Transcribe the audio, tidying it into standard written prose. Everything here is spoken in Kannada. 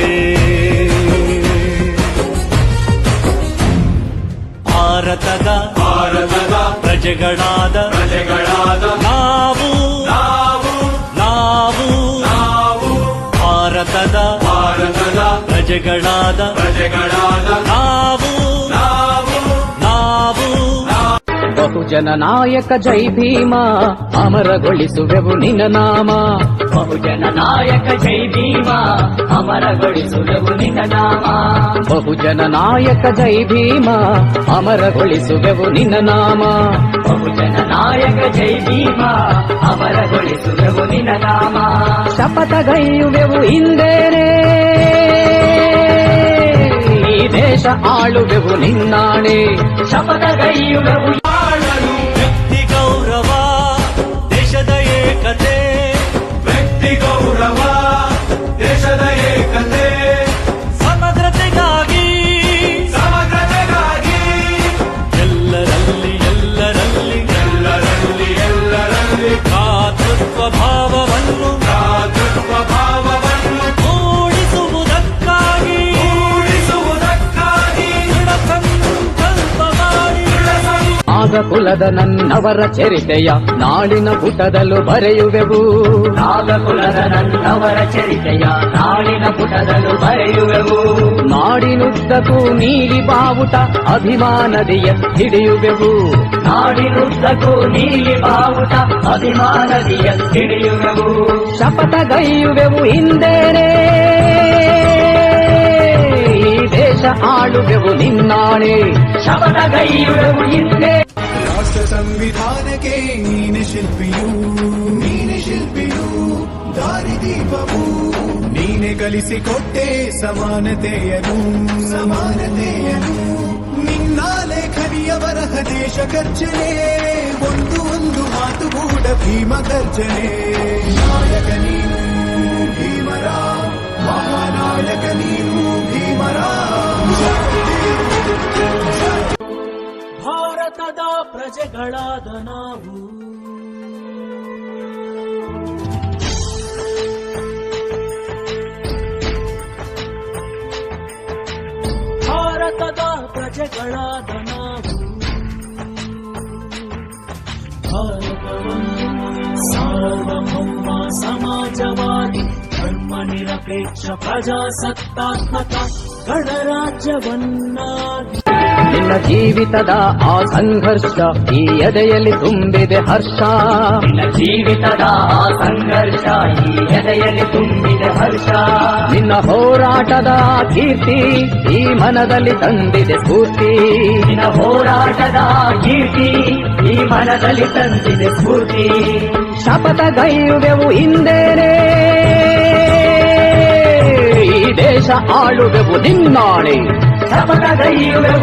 ಭಾರತದ ಪ್ರಜೆಗಳಾದ ನಾವು ಭಾರತದ ಪ್ರಜೆಗಳಾದ ನಾವು ಬಹುಜನ ನಾಯಕ ಜೈ ಭೀಮ ಅಮರಗೊಳಿಸುವೆವು ನಿನ್ನ ನಾಮ. ಬಹುಜನ ನಾಯಕ ಜೈ ಭೀಮ ಅಮರಗೊಳಿಸುವೆವು ನಿನ್ನ ನಾಮ. ಬಹುಜನ ನಾಯಕ ಜೈ ಭೀಮ ಅಮರಗೊಳಿಸುವೆವು ನಿನ್ನ ನಾಮ. ಬಹುಜನ ನಾಯಕ ಜೈ ಭೀಮ ಅಮರಗೊಳಿಸುವೆವು ನಿನ್ನ ನಾಮ. ಶಪಥಗೈಯುವೆವು ಹಿಂದೇನೆ ಈ ದೇಶ ಆಳುವೆವು ನಿನ್ನಾಣೆ. ಶಪಥಗೈಯುವೆವು ವ್ಯಕ್ತಿ ಗೌರವ ದೇಶದ ಏಕತೆ. ವ್ಯಕ್ತಿ ಗೌರವ ದೇಶದ ಏಕತೆ. ಸಮಗ್ರತೆಗಾಗಿ ಎಲ್ಲರಲ್ಲಿ ಭ್ರಾತೃತ್ವ ಭಾವವನ್ನು ಮೂಡಿಸುವುದಕ್ಕಾಗಿ ದೃಢ ಸಂಕಲ್ಪ ಮಾಡಿ ನಾಗಕುಲದ ನನ್ನವರ ಚರಿತೆಯ ನಾಳಿನ ಪುಟದಲ್ಲೂ ಬರೆಯುವೆವು. ನಾಗಕುಲದ ನನ್ನವರ ಚರಿತೆಯ ನಾಳಿನ ಪುಟದಲ್ಲೂ ಬರೆಯುವೆವು. ನಾಡಿನುದ್ದಕ್ಕೂ ನೀಲಿ ಬಾವುಟ ಅಭಿಮಾನದಿಯ ಹಿಡಿಯುವೆವು. ನಾಡಿನುದ್ದಕ್ಕೂ ನೀಲಿ ಬಾವುಟ ಅಭಿಮಾನದಿಯ ಹಿಡಿಯುವೆವು. ಶಪಥಗೈಯುವೆವು ಹಿಂದೇನೆ ಈ ದೇಶ ಆಳುವೆವು ನಿನ್ನಾಣೆ. ಶಪಥಗೈಯುವೆವು ಹಿಂದೆ. ರಾಷ್ಟ್ರ ಸಂವಿಧಾನಕ್ಕೆ ನೀನೆ ಶಿಲ್ಪಿಯು ದಾರಿದೀಪವು. ನೀನೆ ಕಲಿಸಿಕೊಟ್ಟೆ ಸಮಾನತೆಯನು ನಿನ್ನ ಲೇಖನಿಯ ಬರಹ ದೇಶ ಗರ್ಜನೆ. ಒಂದು ಮಾತುಗೂಡ ಭೀಮ ಗರ್ಜನೆ. ನಾಯಕ ನೀನು ಭೀಮರ, ಮಹಾನಾಯಕ ನೀನು ಭೀಮರ. ಭಾರತದ ಪ್ರಜೆಗಳಾದ ನಾವು ಭಾರತದ ಪ್ರಜೆಗಳಾದ ನಾವು ಭಾರತವನ್ನು ಸಾರ್ವಭೌಮ ಸಮಾಜವಾದಿ ಧರ್ಮ ನಿರಪೇಕ್ಷ ಪ್ರಜಾಸತ್ತಾತ್ಮಕ ಗಣರಾಜ್ಯವನ್ನಾಗಿ. ನಿನ್ನ ಜೀವಿತದ ಆ ಸಂಘರ್ಷ ಈ ಎದೆಯಲ್ಲಿ ತುಂಬಿದೆ ಹರ್ಷ. ನಿನ್ನ ಜೀವಿತದ ಆ ಸಂಘರ್ಷ ಈ ಎದೆಯಲ್ಲಿ ತುಂಬಿದೆ ಹರ್ಷ. ನಿನ್ನ ಹೋರಾಟದ ಕೀರ್ತಿ ಈ ಮನದಲ್ಲಿ ತಂದಿದೆ ಸ್ಫೂರ್ತಿ. ನಿನ್ನ ಹೋರಾಟದ ಕೀರ್ತಿ ಈ ಮನದಲ್ಲಿ ತಂದಿದೆ ಸ್ಫೂರ್ತಿ. ಶಪಥಗೈಯುವೆವು ಹಿಂದೇನೆ ಈ ದೇಶ ಆಳುವೆವು ನಿನ್ನಾಣೆ. ಶಪಥಗೈಯುವೆವು